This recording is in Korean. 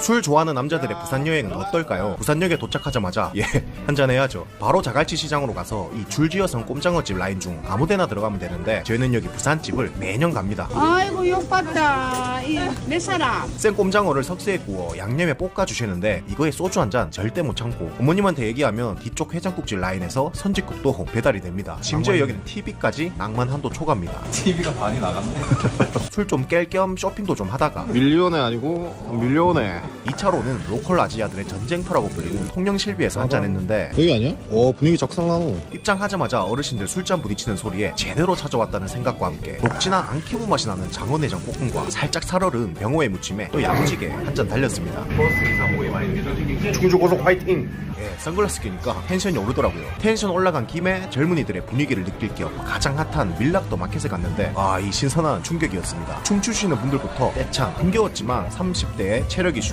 술 좋아하는 남자들의 부산 여행은 어떨까요? 부산역에 도착하자마자 한잔 해야죠. 바로 자갈치 시장으로 가서 이 줄지어선 꼼장어집 라인 중 아무데나 들어가면 되는데 저희는 여기 부산집을 매년 갑니다. 아이고 욕봤다. 몇 사람? 생 꼼장어를 석쇠에 구워 양념에 볶아 주시는데 이거에 소주 한 잔 절대 못 참고 부모님한테 얘기하면 뒤쪽 해장국집 라인에서 선짓국도 배달이 됩니다. 심지어 여기는 TV까지 낭만 한도 초과입니다. TV가 반이 나갔네. 술 좀 깰 겸 쇼핑도 좀 하다가 밀리오네 아니고 밀리오네. 2차로는 로컬 아지아들의 전쟁터라고 불리는 통영실비에서 한잔했는데 여기 아니야? 분위기 적상나노. 입장하자마자 어르신들 술잔 부딪히는 소리에 제대로 찾아왔다는 생각과 함께 녹진한 안키무 맛이 나는 장어내장 볶음과 살짝 살얼은 병어의 무침에 또 야무지게 한 잔 달렸습니다. 충주 고속 화이팅. 선글라스 끼니까 텐션이 오르더라고요. 텐션 올라간 김에 젊은이들의 분위기를 느낄 겸 가장 핫한 밀락도 마켓에 갔는데 이 신선한 충격이었습니다. 춤추시는 분들부터 떼창, 힘겨웠지만 30대의 체력 이슈